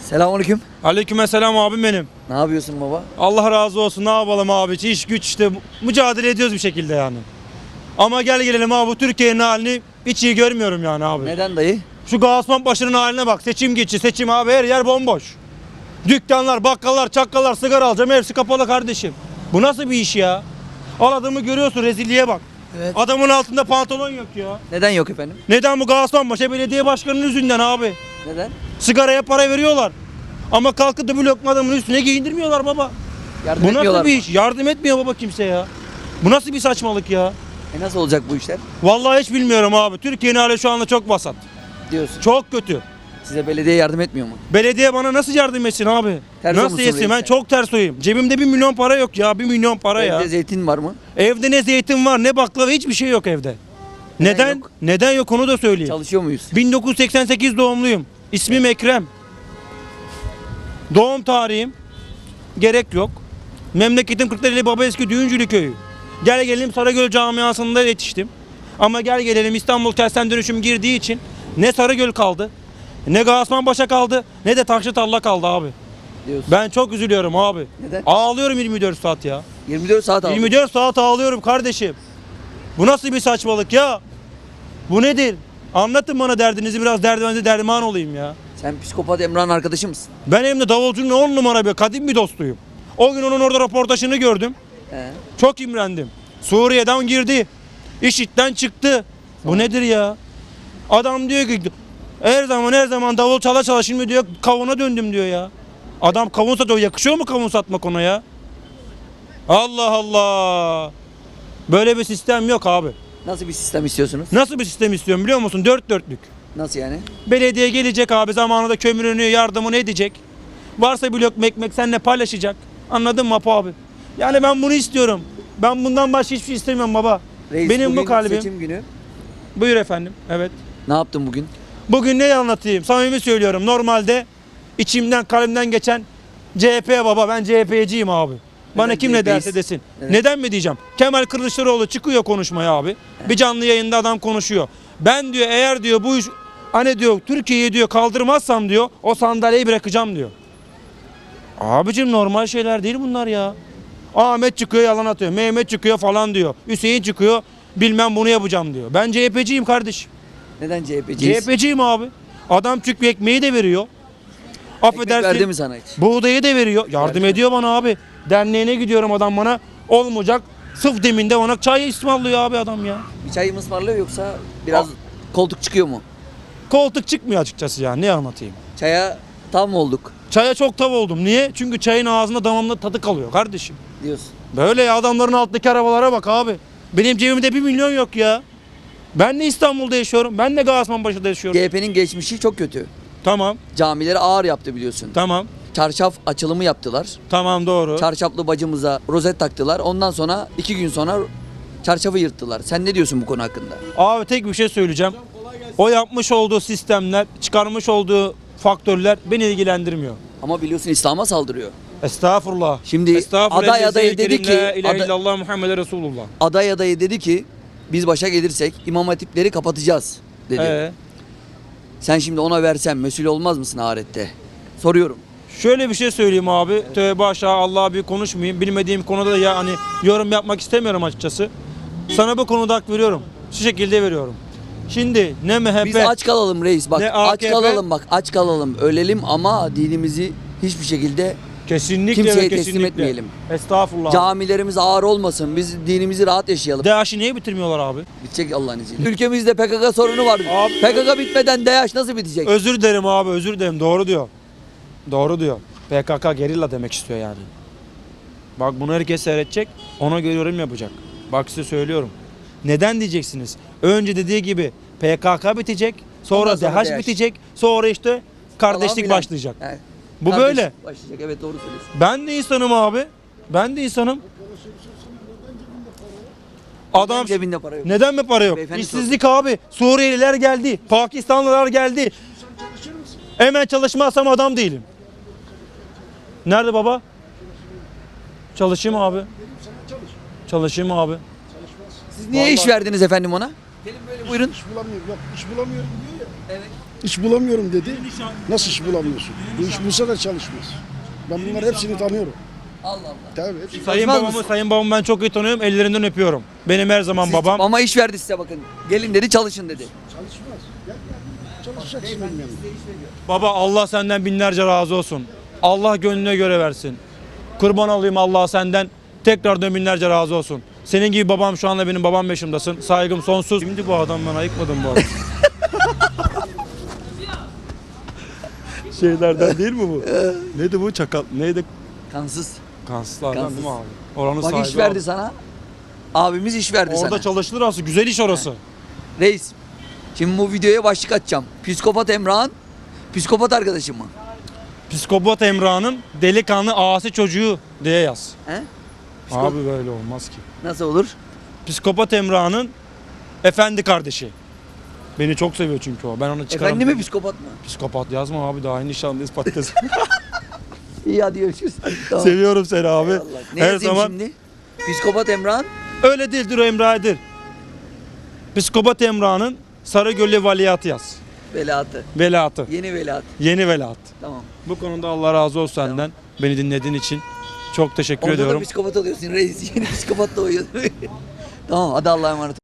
Selamünaleyküm. Aleykümselam abim benim. Ne yapıyorsun baba? Allah razı olsun. Ne yapalım abi? İş güç işte mücadele ediyoruz bir şekilde yani. Ama gel gelelim abi, bu Türkiye'nin halini hiç iyi görmüyorum yani abi. Neden dayı? Şu Gaziosmanpaşa'nın haline bak. Seçim geçti. Seçim abi, her yer bomboş. Dükkanlar, bakkallar, çakkallar, sigara alacağım, hepsi kapalı kardeşim. Bu nasıl bir iş ya? Al adamı görüyorsun, rezilliğe bak. Evet. Adamın altında pantolon yok ya. Neden yok efendim? Neden? Bu Gaziosmanpaşa belediye başkanının yüzünden abi. Neden? Sigaraya para veriyorlar. Ama kalkıp da bir lokma adamın üstüne giyindirmiyorlar baba. Yardım Bu etmiyorlar nasıl bir mı? iş? Yardım etmiyor baba kimse ya. Bu nasıl bir saçmalık ya? Nasıl olacak bu işler? Vallahi hiç bilmiyorum abi. Türkiye'nin hali şu anda çok vasat. Diyorsun. Çok kötü. Size belediye yardım etmiyor mu? Belediye bana nasıl yardım etsin abi? Ters Nasıl olmuşsun etsin? reis Ben sen. çok ters oyum. Cebimde 1 milyon para yok ya. 1 milyon para ya. Evde zeytin var mı? Evde ne zeytin var, ne baklava, hiçbir şey yok evde. Neden? yok? Neden yok onu da söyleyeyim. Çalışıyor muyuz? 1988 doğumluyum. İsmim Ekrem. Doğum tarihim gerek yok. Memleketim Kırklareli Babaeski Düğüncülü köyü. Gel gelelim Sarıgöl camiasında yetiştim. Ama gel gelelim İstanbul Kentsel Dönüşüm girdiği için ne Sarıgöl kaldı, ne Gaziosmanpaşa kaldı, ne de Taşlıtarla kaldı abi. Diyorsun. Ben çok üzülüyorum abi. Neden? Ağlıyorum 24 saat ya. 24 saat aldı. 24 saat ağlıyorum kardeşim. Bu nasıl bir saçmalık ya? Bu nedir? Anlatın bana derdinizi, biraz derdinize derman olayım ya. Sen psikopat Emrah'ın arkadaşı mısın? Ben hem de davulcunun 10 numara bir kadim bir dostuyum. O gün onun orada röportajını gördüm. He. Çok imrendim. Suriye'den girdi. IŞİD'den çıktı. Bu nedir ya? Adam diyor ki her zaman davul çala çala, şimdi diyor kavuna döndüm diyor ya. Adam kavun satıyor. Yakışıyor mu kavun satmak ona ya? Allah Allah. Böyle bir sistem yok abi. Nasıl bir sistem istiyorsunuz? Nasıl bir sistem istiyorum biliyor musun? Dört dörtlük. Nasıl yani? Belediye gelecek abi, zamanında kömürünü, yardımını edecek. Varsa bir lokma ekmek seninle paylaşacak. Anladın mı Apo abi? Yani ben bunu istiyorum. Ben bundan başka hiçbir şey istemiyorum baba. Reis, Benim bu bugün kalbim. seçim günü. Buyur efendim. Evet. Ne yaptın bugün? Bugün ne anlatayım? Samimi söylüyorum. Normalde içimden, kalbimden geçen CHP baba. Ben CHP'ciyim abi. Bana Neden kim ne CHP'yiz? derse desin. Neden? Neden mi diyeceğim? Kemal Kılıçdaroğlu çıkıyor konuşmaya abi. Bir canlı yayında adam konuşuyor. Ben diyor, eğer diyor bu iş hani diyor Türkiye'yi diyor kaldırmazsam diyor, o sandalyeyi bırakacağım diyor. Abicim normal şeyler değil bunlar ya. Ahmet çıkıyor yalan atıyor. Mehmet çıkıyor falan diyor. Hüseyin çıkıyor bilmem bunu yapacağım diyor. Ben CHP'ciyim kardeşim. Neden CHP'ciyiz? CHP'ciyim abi. Adam çünkü ekmeği de veriyor. Ekmek verdi Affedersin. mi sana hiç? Buğdayı da veriyor. Yardım Verdi. ediyor bana abi. Derneğine gidiyorum, adam bana olmayacak. Sıf deminde bana çay ısmarlıyor abi adam ya. Bir çay mı ısmarlıyor yoksa biraz koltuk çıkıyor mu? Koltuk çıkmıyor açıkçası ya. Ne anlatayım? Çaya tam mı olduk Çaya çok tav oldum. Niye? Çünkü çayın ağzında damamda tadı kalıyor kardeşim. diyorsun? Böyle ya, adamların altındaki arabalara bak abi. Benim cebimde 1 milyon yok ya. Ben de İstanbul'da yaşıyorum. Ben de Gaziosmanpaşa'da yaşıyorum. CHP'nin geçmişi çok kötü. Tamam. Camileri ağır yaptı biliyorsun. Tamam. Çarşaf açılımı yaptılar. Tamam doğru. Çarşaflı bacımıza rozet taktılar. Ondan sonra 2 gün sonra çarşafı yırttılar. Sen ne diyorsun bu konu hakkında? Abi tek bir şey söyleyeceğim. O yapmış olduğu sistemler, çıkarmış olduğu faktörler beni ilgilendirmiyor. Ama biliyorsun İslam'a saldırıyor. Estağfurullah. Şimdi Estağfurullah. aday adayı dedi ki- La ilahe aday- illallah Muhammed Resulullah. Aday adayı dedi ki biz başa gelirsek imam hatipleri kapatacağız dedi. Sen şimdi ona versen mesul olmaz mısın ahirette? Soruyorum. Şöyle bir şey söyleyeyim abi. Tövbe aşağı, Allah'a bir konuşmayayım. Bilmediğim konuda da ya hani yorum yapmak istemiyorum açıkçası. Sana bu konuda hak veriyorum. Şu şekilde veriyorum. Şimdi ne MHP, Biz aç kalalım reis bak. Ne Aç AKP? kalalım bak. Aç kalalım. Ölelim ama dinimizi hiçbir şekilde kesinlikle kimseye ve teslim kesinlikle etmeyelim. Estağfurullah. camilerimiz ağır olmasın. Biz dinimizi rahat yaşayalım. DAEŞ'i niye bitirmiyorlar abi? Bitecek Allah'ın izniyle. Ülkemizde PKK sorunu var. Abi- PKK bitmeden DAEŞ nasıl bitecek? Özür dilerim abi, özür dilerim. Doğru diyor. Doğru diyor. PKK gerilla demek istiyor yani. Bak bunu herkes seyredecek. Ona göre yorum yapacak. Bak size söylüyorum. Neden diyeceksiniz? Önce dediği gibi PKK bitecek. Sonra Ondan sonra DAEŞ DAEŞ. bitecek. Sonra işte kardeşlik Falan filan. başlayacak. Yani Bu kardeşlik böyle. Başlayacak. Evet doğru söylüyorsun. Ben de insanım abi. Ben de insanım. Adam Cebinde para yok. neden mi para yok? Beyefendi İşsizlik abi. Suriyeliler geldi. Pakistanlılar geldi. Hemen çalışmazsam adam değilim. Nerede baba? Çalışayım abi. Çalışayım abi. Siz niye iş verdiniz efendim ona? Gelin böyle buyurun. İş bulamıyor. Yok iş bulamıyorum diyor ya. Evet. İş bulamıyorum dedi. Nasıl iş bulamıyorsun? Bu iş bulsa da çalışmaz. Ben bunları hepsini tanıyorum. Allah Allah. Tabii hepsini. Sayın babamı ben çok iyi tanıyorum. Ellerinden öpüyorum. Benim her zaman babam. Ama iş verdi size bakın. Gelin dedi, çalışın dedi. Çalışmaz. Gel çalışacaksın benim yanımda. Baba Allah senden binlerce razı olsun. Allah gönlüne göre versin. Kurban olayım Allah senden. Tekrardan binlerce razı olsun. Senin gibi babam şu anda benim babam yaşımdasın. Saygım sonsuz. Şimdi bu adam ben ayıkmadım bu adam. Şeylerden değil mi bu? Neydi bu çakal? Neydi? Kansız. Kansızlardan Kansız. değil mi abi? Oranın Bak sahibi iş verdi abi. sana. Abimiz iş verdi Orada sana. çalışılır aslında. Güzel iş orası. Reis. Şimdi bu videoya başlık atacağım. Psikopat Emrah'ın psikopat arkadaşı mı? Psikopat Emrah'ın delikanlı asi çocuğu diye yaz. He? Abi böyle olmaz ki. Nasıl olur? Psikopat Emrah'ın efendi kardeşi. Beni çok seviyor çünkü o. Ben onu çıkarım. Efendi mi psikopat mı? Psikopat yazma abi, daha nişanlıyız patates. İyi hadi görüşürüz. Tamam. Seviyorum seni abi. Eyvallah. Ne Her yazayım zaman şimdi? Psikopat Emrah'ın öyle değildir, o Emrah'dır. Psikopat Emrah'ın Sarıgöl'ü Veliahtı yaz. velatı. Velatı. Yeni velat. Yeni velat. Tamam. Bu konuda Allah razı olsun senden. Beni dinlediğin için. Çok teşekkür Orada ediyorum. da psikopat oluyorsun reis. Yeni psikopat da oluyor. Tamam hadi Allah'a emanet.